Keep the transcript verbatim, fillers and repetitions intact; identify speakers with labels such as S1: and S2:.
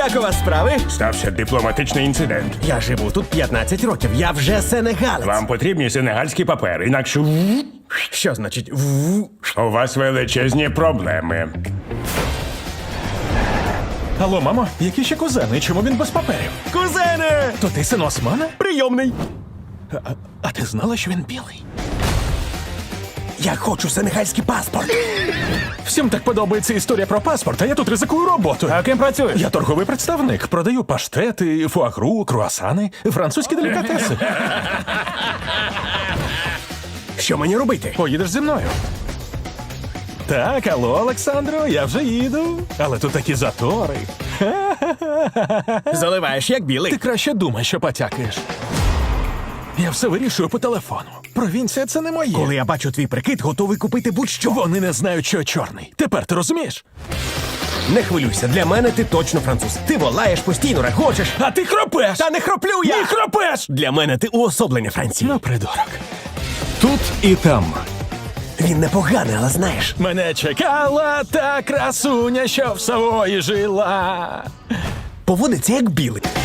S1: Як у вас справи?
S2: Стався дипломатичний інцидент.
S1: Я живу тут п'ятнадцять років, я вже сенегалець.
S2: Вам потрібні сенегальські папери, інакше
S1: Що значить в?
S2: у вас величезні проблеми.
S3: Алло, мамо, які ще кузени? Чому він без паперів?
S1: Кузене!
S3: То ти син Османа?
S1: Прийомний.
S3: А, а ти знала, що він білий?
S1: Я хочу сенегальський паспорт.
S3: Всім так подобається історія про паспорт, а я тут ризикую роботу.
S1: А ким працюєш?
S3: Я торговий представник. Продаю паштети, фуагру, круасани, французькі делікатеси.
S1: Що мені робити?
S3: Поїдеш зі мною. Так, алло, Олександро, я вже їду. Але тут такі затори.
S1: Заливаєш як білий.
S3: Ти краще думай, що потякаєш. Я все вирішую по телефону. Провінція — це не моє.
S1: Коли я бачу твій прикид, готовий купити будь-що.
S3: Вони не знають, що я чорний. Тепер ти розумієш?
S1: Не хвилюйся, для мене ти точно француз. Ти волаєш, постійно регочеш.
S3: А ти хропеш!
S1: Та не хроплю я!
S3: Не хропеш!
S1: Для мене ти уособлення Франції.
S3: Ну, придурок. Тут і там.
S1: Він непоганий, але знаєш.
S3: Мене чекала та красуня, що в Савої жила.
S1: Поводиться як білий.